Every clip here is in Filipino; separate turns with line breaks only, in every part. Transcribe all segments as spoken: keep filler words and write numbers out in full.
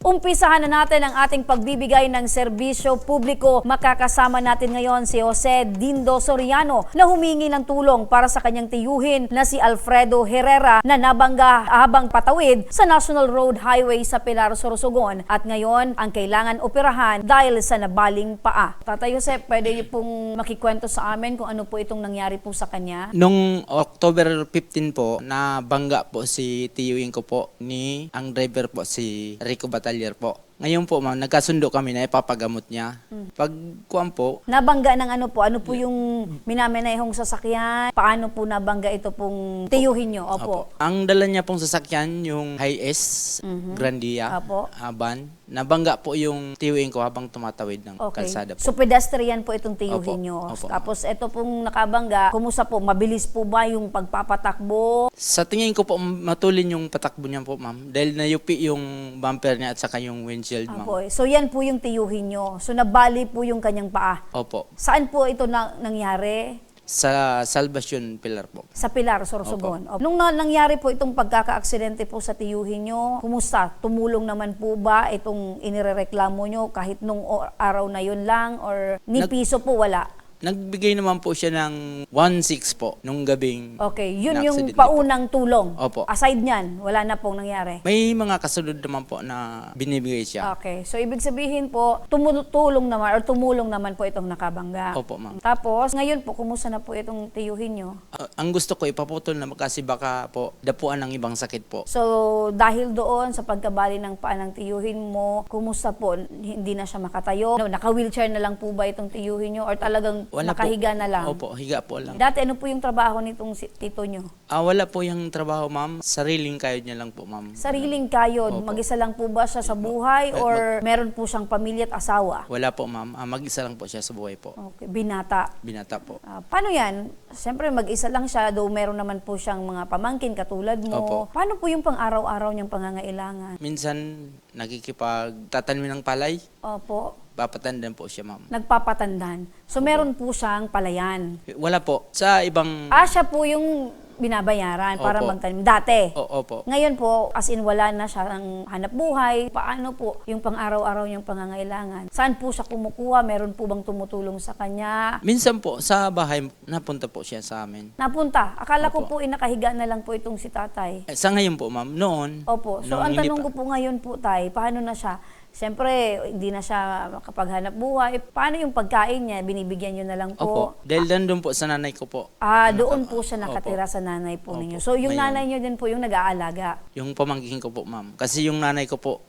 Umpisahan na natin ang ating pagbibigay ng serbisyo publiko. Makakasama natin ngayon si Jose Dindo Soriano na humingi ng tulong para sa kanyang tiyuhin na si Alfredo Herrera na nabangga habang patawid sa National Road Highway sa Pilar, Sorsogon. At ngayon, ang kailangan operahan dahil sa nabaling paa. Tatay Jose, pwede niyo pong makikwento sa amin kung ano po itong nangyari po sa kanya?
Nung October fifteen po, nabangga po si tiyuhin ko po ni ang driver po si Rico Batalier po. Ngayon po ma'am, nagkasundo kami na ipapagamot niya. Hmm. Pag kuwan po,
nabangga ng ano po? Ano po yung minamanehong sasakyan? Paano po nabangga ito pong tiyuhin nyo? Opo.
Opo. Ang dala niya pong sasakyan, yung Hi-S,
Mhm.
Grandia,
Opo.
ah, van. Nabangga po yung tiyuhin ko habang tumatawid ng
Okay.
kalsada po.
So pedestrian po itong tiyuhin
Opo.
nyo.
Opo.
Tapos ito pong nakabangga, kumusta po? Mabilis po ba yung pagpapatakbo?
Sa tingin ko po, matulin yung patakbo niya po ma'am. Dahil nayupi yung bumper niya at saka yung windshield ma'am.
Opo. So yan po yung tiyuhin nyo. So nabali po yung kanyang paa.
Opo.
Saan po ito na nangyari?
Sa Salvacion Pilar po.
Sa Pilar, Sorsogon. Opo. Nung na, nangyari po itong pagkaka-aksidente po sa tiyuhin nyo, kumusta? Tumulong naman po ba itong inirereklamo nyo kahit nung o- araw na yun lang or ni
Nag-
piso po wala?
Nagbigay naman po siya ng one six po nung gabing.
Okay, yun yung
na-accident
paunang tulong.
Opo.
Aside nyan, wala na pong nangyari.
May mga kasunod naman po na binibigay siya.
Okay, so ibig sabihin po, tumutulong naman or tumulong naman po itong nakabangga.
Opo, ma'am.
Tapos, ngayon po, kumusta na po itong tiyuhin nyo?
Ah, ang gusto ko ipaputol na kasi baka po dapuan ng ibang sakit po.
So, dahil doon sa pagkabali ng paa ng tiyuhin mo, kumusta po? Hindi na siya makatayo? No, naka-wheelchair na lang po ba itong tiyuhin nyo? Or talagang
Wala
nakahiga
po.
na lang?
Opo, higa po lang.
Dati, ano po yung trabaho nitong si- tito nyo?
Ah, wala po yung trabaho, ma'am. Sariling kayod niya lang po, ma'am.
Sariling kayod.
Opo.
Mag-isa lang po ba siya sa buhay?
Eh,
Or meron po siyang pamilya at asawa?
Wala po, ma'am. Ah, mag-isa lang po siya sa buhay po.
Okay, binata.
Binata po.
Ah, paano yan? Siyempre, mag-isa lang siya, though meron naman po siyang mga pamangkin katulad mo.
Opo.
Paano po yung pang-araw-araw niyang pangangailangan?
Minsan, nakikipagtatanim ng palay.
Opo,
Papatandan po siya, ma'am.
nagpapatandan. So, meron po siyang palayan.
Wala po. Sa ibang...
Ah, siya po yung binabayaran para
Opo.
magtanim. Dati.
O, opo.
Ngayon po, as in wala na siya ng hanap buhay. Paano po yung pang-araw-araw niyang pangangailangan? Saan po siya kumukuha? Meron po bang tumutulong sa kanya?
Minsan po, sa bahay, napunta po siya sa amin.
Napunta. Akala ko
Opo.
po inakahiga na lang po itong si tatay.
Eh, sa ngayon po, ma'am, noon...
Opo. So,
noong
ang
hindi
tanong
pa-
ko po ngayon po, tay, paano na siya? Siyempre, hindi na siya makapaghanap buhay. Paano yung pagkain niya? Binibigyan niyo na lang po?
Opo. Dahil nandun po sa nanay ko po.
Ah,
Naka-
doon po siya nakatira
Opo.
sa nanay po
Opo.
ninyo. So, yung
Ngayon.
nanay niyo din po yung nag-aalaga.
Yung pamangkin ko po, ma'am. Kasi yung nanay ko po,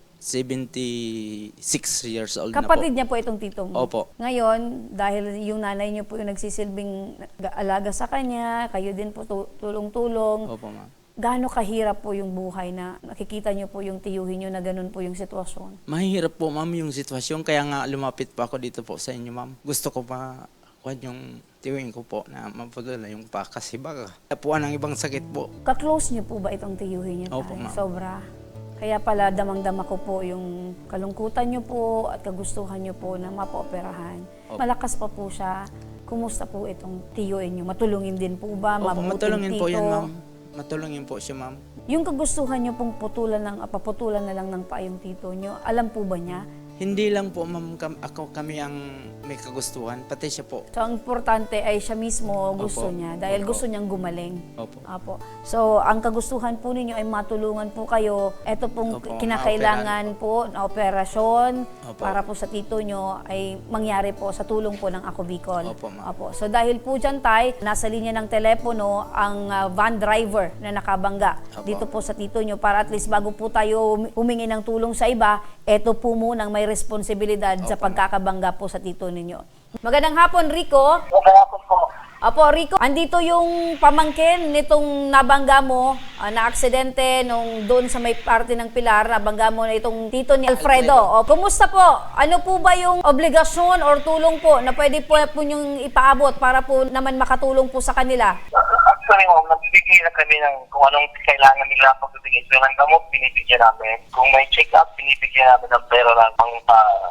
seventy-six years old
Kapatid
na
niya po itong tito mo.
Opo.
Ngayon, dahil yung nanay niyo po yung nagsisilbing nag-aalaga sa kanya, kayo din po tu- tulong-tulong.
po. Opo, ma'am.
Gaano kahirap po yung buhay na nakikita niyo po yung tiyuhin niyo na ganun po yung sitwasyon?
Mahirap po, ma'am, yung sitwasyon. Kaya nga lumapit po ako dito po sa inyo, ma'am. Gusto ko pa kuwan yung tiyuhin ko po na mapudula yung pa kasi baka tapuan ng ibang sakit po.
Ka-close niyo po ba itong tiyuhin niyo?
Opo,
tay?
ma'am.
Sobra. Kaya pala damang-dama ko po yung kalungkutan niyo po at kagustuhan niyo po na mapooperahan.
Opo.
Malakas pa po siya. Kumusta po itong tiyuhin niyo? Matulungin din po ba?
Opo,
Mabuting
matulungin po
tito?
yan, ma'am. Matulungin po siya, ma'am.
Yung kagustuhan niyo pong putulan ng, ah, paputulan na lang ng paa yung tito niyo, alam po ba niya?
Hindi lang po, ma'am, kam- ako kami ang may kagustuhan, pati siya po.
So, ang importante ay siya mismo gusto
Opo.
niya dahil
Opo.
gusto niyang gumaling.
Opo.
Apo. So, ang kagustuhan po ninyo ay matulungan po kayo. Ito pong
Opo,
kinakailangan po na operasyon
Opo.
para po sa tito nyo ay mangyari po sa tulong po ng Ako Bicol.
Opo, ma'am.
Apo. So, dahil po dyan, tay, nasa linya ng telepono ang ah, van driver na nakabangga
Opo.
dito po sa tito nyo para at least bago po tayo humingi ng tulong sa iba, eto po munang may responsibilidad sa
Opo.
pagkakabangga po sa tito ninyo. Magandang hapon, Rico.
Kaya po po,
Apo, Rico, andito yung pamangkin nitong nabangga mo, ah, na aksidente nung doon sa may parte ng Pilar, nabangga mo na itong tito ni Alfredo. O, kumusta po? Ano po ba yung obligasyon or tulong po na pwede po po yung ipaabot para po naman makatulong po sa kanila?
actually ma'am, nagbibigay na kami ng kung anong kailangan nila pagbibigay. So, ng gamot, binibigyan namin. Kung may check-up, binibigyan namin ng pera lang pang pa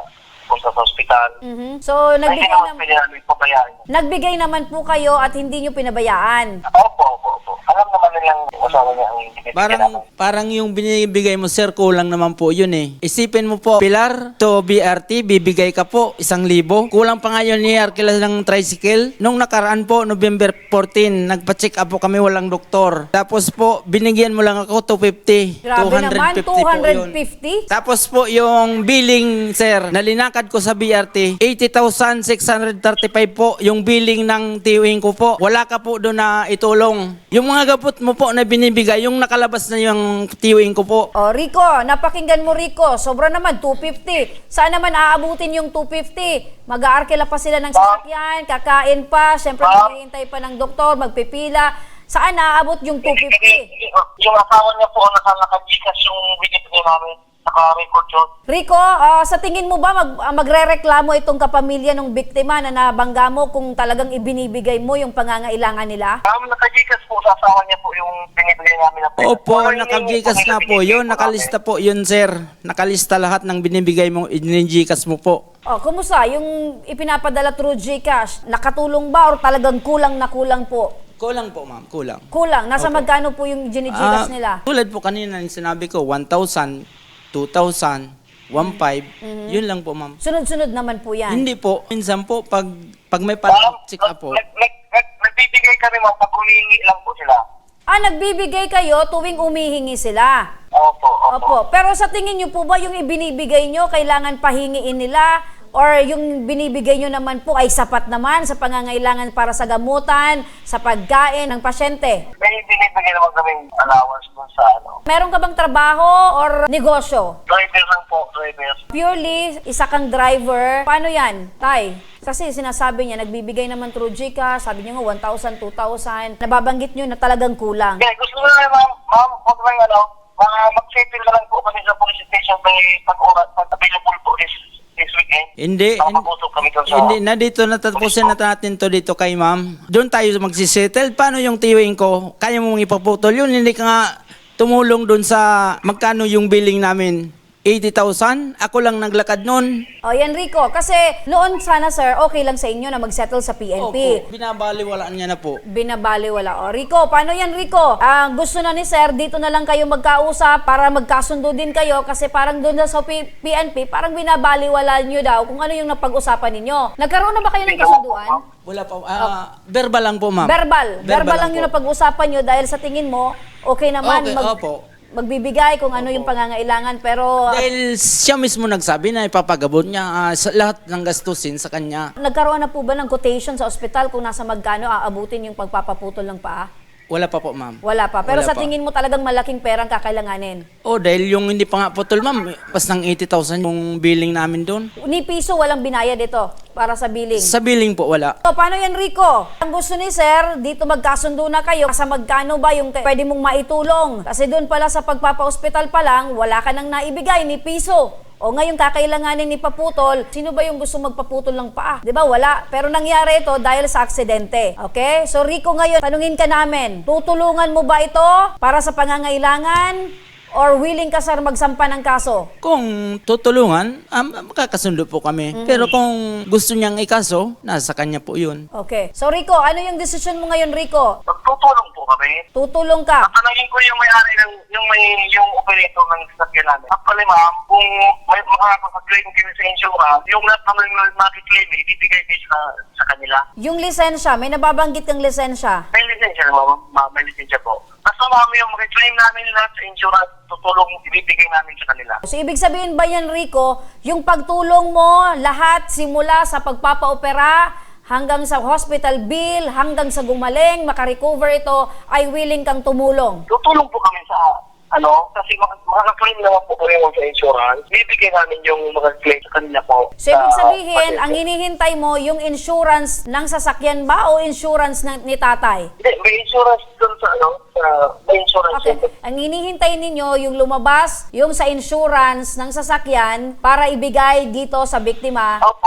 punta sa ospital.
Mhm. So,
Ay, hindi
nagbigay,
naman
nam-
pwede namin pabayaan.
nagbigay naman po kayo at hindi nyo pinabayaan.
Opo, opo, opo. Alam naman nilang asawa niya ang binibigyan
Parang,
namin.
parang yung binibigay mo, sir, kulang naman po yun eh. Isipin mo po, Pilar to B R T, bibigay ka po isang libo. Kulang pa nga yun ni Arkela ng tricycle. Nung nakaraan po, November fourteen, nagpa-check up po kami, walang doktor. Tapos po, binigyan mo lang ako two fifty.
Grabe naman, two hundred
po yun.
fifty?
Tapos po yung billing, sir, nalinakad ko sa B R T, eighty thousand six hundred thirty-five po yung billing ng tiyuhin ko po. Wala ka po doon na itulong. Yung mga gapot mo po na binibigay, yung nakalabas na yung tiyuhin ko po.
O, Rico, napakinggan mo, Rico. Sobra naman, two fifty. Saan naman aabutin yung two fifty? Mag-aarkila pa sila ng sasakyan, kakain pa, syempre
Ma'am.
maghihintay pa ng doktor, magpipila. Saan naaabot yung two fifty?
Yung asawa niya po, naka-naka-Gcash yung binibigay namin. Naka-record yun.
Rico, ah, sa tingin mo ba mag, ah, magrereklamo itong kapamilya ng biktima na nabangga mo kung talagang ibinibigay mo yung pangangailangan nila?
Ma'am, naka-Gcash po sa asawa niya po yung binibigay namin na pera.
Opo,
Pero yung
nakagikas
yung
na po
binibigay
yun.
po
Nakalista
namin.
po yun, sir. Nakalista lahat ng binibigay mo, inigikas mo po.
Oh, kumusta? Yung ipinapadala through GCash, nakatulong ba or talagang kulang na kulang po?
Kulang po, ma'am. Kulang.
Kulang. Nasa magkano po yung ginigikas
Ah,
nila?
Tulad po kanina yung sinabi ko, one thousand, two thousand, one five, yun lang po, ma'am.
Sunod-sunod naman po yan.
Hindi po. Minsan po, pag, pag may
Ma'am,
pa-check up po,
nag- nag- nag- nagbibigay kami ma'am pag humingi lang po sila.
Ah, nagbibigay kayo tuwing umihingi sila.
Opo, opo.
Opo. Pero sa tingin nyo po ba yung ibinibigay nyo, kailangan pahingiin nila? Or yung binibigay nyo naman po ay sapat naman sa pangangailangan para sa gamutan, sa pagkain ng pasyente?
May binibigay naman kaming allowance dun sa ano.
Meron ka bang trabaho or negosyo?
Driver lang po, driver.
Purely, isa kang driver. Paano yan, Tay? Kasi sinasabi niya, nagbibigay naman through GCash, sabi niya nga one thousand, two thousand. Nababanggit nyo na talagang kulang.
Okay, gusto ko na ma'am, ma'am, huwag lang ano, mga mag-settle na lang po kami sa police station may pag-oras, pag-available po this, this weekend.
hindi.
Baka mabusog kami dun sa...
Hindi, na dito natatapusin na natin to dito kay ma'am. Doon tayo magsisettle. Paano yung tiyuhin ko? Kaya mong ipaputol yun. Hindi ka nga tumulong doon sa magkano yung billing namin. eighty thousand? Ako lang naglakad noon.
O yan, Rico. Kasi noon sana, sir, okay lang sa inyo na mag-settle sa P N P.
Opo, binabaliwalaan niya na po.
Binabaliwala. O, Rico, paano yan, Rico? Ah, gusto na ni sir, dito na lang kayo magkausap para magkasundo din kayo kasi parang doon na sa P- PNP, parang binabaliwala nyo daw kung ano yung napag-usapan ninyo. Nagkaroon na ba kayo ng kasunduan?
Wala pa. Ah, verbal lang po, ma'am.
Verbal. Verbal, lang yung
po.
napag-usapan nyo dahil sa tingin mo, okay naman
Okay,
mag-
opo.
magbibigay kung ano yung pangangailangan pero
Dahil siya mismo nagsabi na ipapagabot niya ah, sa lahat ng gastusin sa kanya.
nagkaroon na po ba ng quotation sa ospital kung nasa magkano aabutin yung pagpapaputol ng paa?
Wala pa po, ma'am.
Wala pa. Pero
Wala
sa
pa.
tingin mo talagang malaking perang kakailanganin.
Oh, dahil yung hindi pa nga putol, ma'am, pas ng eighty thousand yung billing namin doon.
Ni piso walang binayad ito para sa billing.
Sa billing po, wala.
So, paano yan, Rico? Ang gusto ni Sir, dito magkasundo na kayo. Sa magkano ba yung pwede mong maitulong? Kasi doon pala sa pagpapa-hospital pa lang, wala ka nang naibigay ni piso. O ngayon kakailanganin ni paputol, sino ba yung gusto magpaputol ng paa? 'Di ba? Wala. Pero nangyari ito dahil sa aksidente. Okay? So Rico, ngayon, tanungin ka namin, tutulungan mo ba ito para sa pangangailangan? Or willing ka, sir, magsampa ng kaso?
Kung tutulungan, um, makakasundo po kami. Pero kung gusto niyang ikaso, nasa kanya po yun.
Okay. So Rico, ano yung decision mo ngayon, Rico?
Magtutulong po kami.
Tutulong ka.
Tatanungin ko yung may-ari ng, yung may, yung operator ng sasakyan namin. Actually, ma'am, kung may makakapag-claim kami sa insurance, yung lahat naman yung makiklaim, ibibigay din sa, sa kanila.
Yung lisensya, may nababanggit kang lisensya.
May lisensya, ma'am. Ma, may lisensya po. Basta ma'am, yung makiklaim namin lahat sa insurance, tutulong ibibigay namin sa kanila.
So, ibig sabihin ba yan, Rico, yung pagtulong mo, lahat simula sa pagpapaopera, hanggang sa hospital bill, hanggang sa gumaling, makarecover ito, ay willing kang tumulong?
Tutulong po kami sa, ano, kasi mak- makaka-claim naman po kami sa insurance. Bibigay namin yung makaka-claim sa kanila po.
So, ibig
sa
sabihin,
pasyente.
ang hinihintay mo, yung insurance ng sasakyan ba o insurance ng, ni tatay?
Hindi, may insurance dun sa, ano, sa, may insurance
Okay.
dun.
Ang hinihintay ninyo, yung lumabas, yung sa insurance ng sasakyan para ibigay dito sa biktima.
Opo, opo.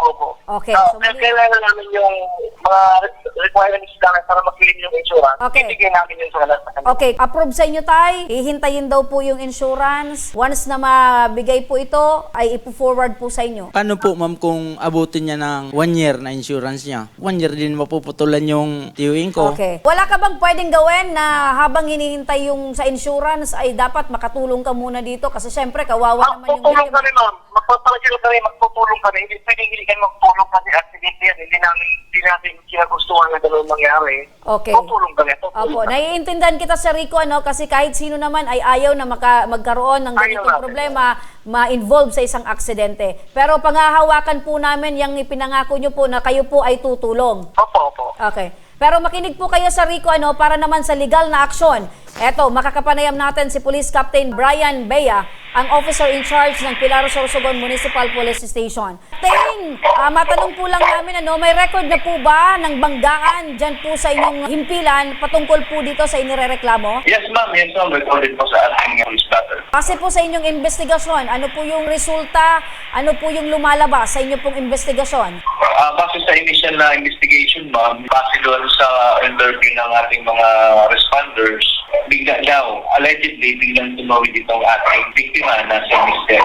Okay,
So,
so mali-
kailangan namin yung mga requirements namin para mag-claim yung insurance.
Okay.
Ibigay namin yung sa kanila.
Okay, approve sa inyo tay. Hihintayin daw po yung insurance. Once na mabigay po ito, ay ipo-forward po sa inyo.
Paano po ma'am kung abutin niya ng one year na insurance niya? One year din mapuputulan yung tiyuhin ko.
Okay. Wala ka bang pwedeng gawin na habang hinihintay yung sa insurance ay dapat makatulong ka muna dito? Kasi syempre, kawawa naman yung
Magtutulong
biktima.
kami, ma'am. Magpapalagil kami, magtutulong kami. Hindi pwedeng hindi kayo magtulong kasi accident yan. Hindi namin, hindi natin kinagustuhan na gano'n mangyari.
Okay.
Tutulong kami. Tutulong
Opo,
kami.
naiintindihan kita Sir Rico, ano, kasi kahit sino naman ay ayaw na maka, magkaroon ng
Ayaw
ganitong
natin.
problema, ma-involve sa isang aksidente. Pero panghahawakan po namin yung ipinangako nyo po na kayo po ay tutulong.
Opo, opo.
Okay. Pero makinig po kayo sa Rico, ano, para naman sa legal na aksyon. Eto, makakapanayam natin si Police Captain Brian Bea, ang officer in charge ng Pilar Sorsogon Municipal Police Station. Captain, ah, matanong po lang namin, ano, may record na po ba ng banggaan dyan po sa inyong himpilan patungkol po dito sa inirereklamo?
Yes, ma'am. Yes, ma'am. Recorded po sa ating police matter.
Kasi po sa inyong investigasyon, ano po yung resulta, ano po yung lumalabas sa inyong pong investigasyon?
Ah, base sa initial na investigation, ma'am, base doon sa interview ng ating mga responders, bigla daw, allegedly, biglang tumawid itong ating biktima na si Mister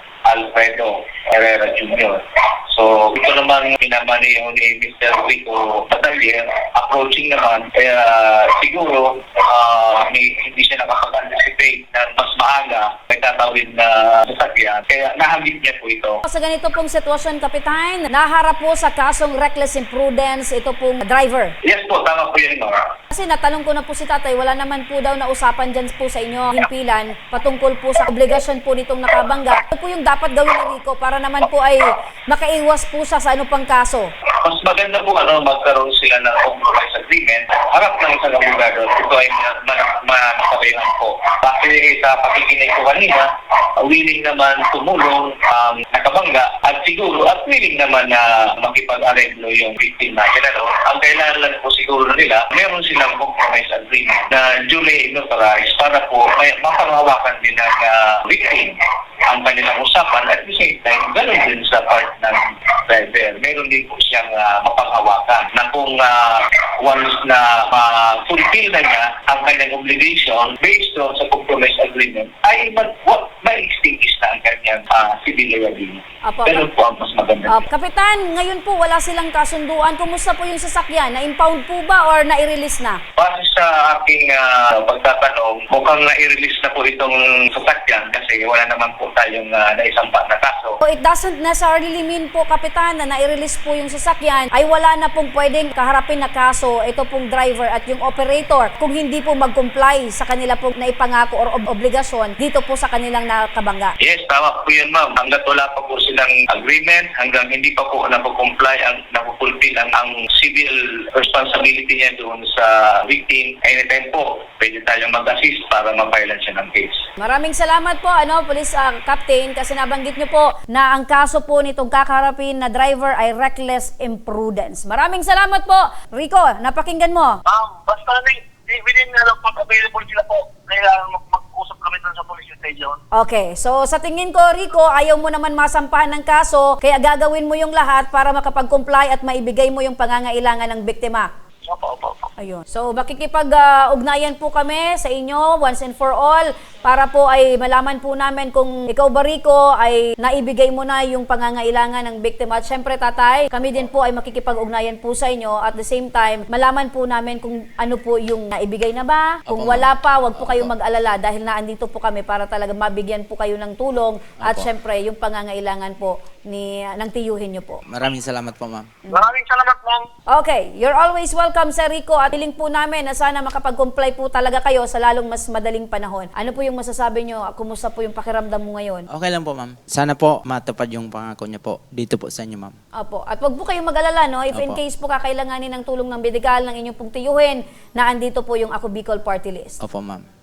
Alfredo Herrera Junior So, ito naman minamaneho ni Mister Rico Batalier, approaching naman, kaya siguro ah, may, hindi siya nakapag-anticipate na mas maaga may tatawid na sasakyan, kaya nahagip niya po ito.
Sa ganito pong sitwasyon, Kapitan, naharap po sa kasong reckless imprudence ito pong driver.
Yes po, tama po yun, ma'am.
Kasi natanong ko na po si tatay, wala naman po daw na usapan dyan po sa inyo himpilan patungkol po sa obligasyon po nitong nakabangga. Ano po yung dapat gawin ni Rico para naman po ay makaiwas po siya sa ano pang kaso?
Mas maganda po ano, magkaroon sila ng compromise agreement, harap ng isang abogado, ito ay manakabayaan po. Kasi sa pakikinig ko kanina, willing naman tumulong ang nakabangga at siguro at willing naman na makipag-areglo yung victim natin. Ano? Ang kailangan lang po siguro nila, meron silang compromise agreement na duly notarized para po may mapanghawakan din ng uh, victim ang kanilang usapan at the same time, ganoon din sa part ng driver. Meron din po siyang uh, mapanghawakan na kung uh, once na ma-fulfill na niya ang kanyang obligation based on sa compromise agreement, ay ma-extinguish na ang kanyang uh, civil liability.
Apo,
Ganun po ang mas maganda.
Ah, Kapitan, ngayon po wala silang kasunduan. Kumusta po yung sasakyan? Na-impound po ba or na-release na?
Base sa aking uh, pagtatanong, mukhang na-release na po itong sasakyan kasi wala naman po tayong uh, naisampa na kaso.
So it doesn't necessarily mean po, Kapitan, na nai-release po yung sasakyan ay wala na pong pwedeng kaharapin na kaso ito pong driver at yung operator kung hindi po mag-comply sa kanila pong naipangako or ob- obligasyon dito po sa kanilang nakabangga.
Yes, tama po yun, ma'am. Hanggat wala pa po silang agreement, hanggang hindi pa po napag-comply, ang napupulfill ang, ang civil responsibility niya doon sa victim, anytime po, pwede tayong mag-assist para mapailan siya ng case.
Maraming salamat po, ano, Police ah, Captain, kasi nabanggit niyo po na ang kaso po nitong kakaharapin na driver ay reckless imprudence. Maraming salamat po. Rico, napakinggan mo.
Ma'am, basta na, within na lang pag available sila po, kailangan mag- mag-usap kami doon sa police station.
Okay, so sa tingin ko, Rico, ayaw mo naman masampahan ng kaso, kaya gagawin mo yung lahat para makapag-comply at maibigay mo yung pangangailangan ng biktima.
Opo, opo, opo.
Ayun. So makikipag-ugnayan po kami sa inyo once and for all para po ay malaman po namin kung ikaw ba, Rico, ay naibigay mo na yung pangangailangan ng biktima. At syempre, tatay, kami din po ay makikipag-ugnayan po sa inyo. At the same time, malaman po namin kung ano po yung naibigay na ba. Kung
Opo,
wala pa, wag po
Opo.
kayong mag-alala dahil naandito po kami para talaga mabigyan po kayo ng tulong. At
Opo.
syempre, yung pangangailangan po ni ng tiyuhin niyo po.
Maraming salamat po ma'am.
Maraming salamat, ma'am.
Okay, you're always welcome, Sir Rico, at hiling po namin na sana makapag-comply po talaga kayo sa lalong mas madaling panahon. Ano po yung masasabi nyo? Kumusta po yung pakiramdam mo ngayon?
Okay lang po ma'am. Sana po matupad yung pangako niya po dito po sa inyo ma'am.
Opo. At wag po kayong mag-alala, no? If in
Opo.
case po kakailanganin ng tulong ng medikal ng inyong pong tiyuhin, na andito po yung Ako Bicol Party List.
Opo ma'am.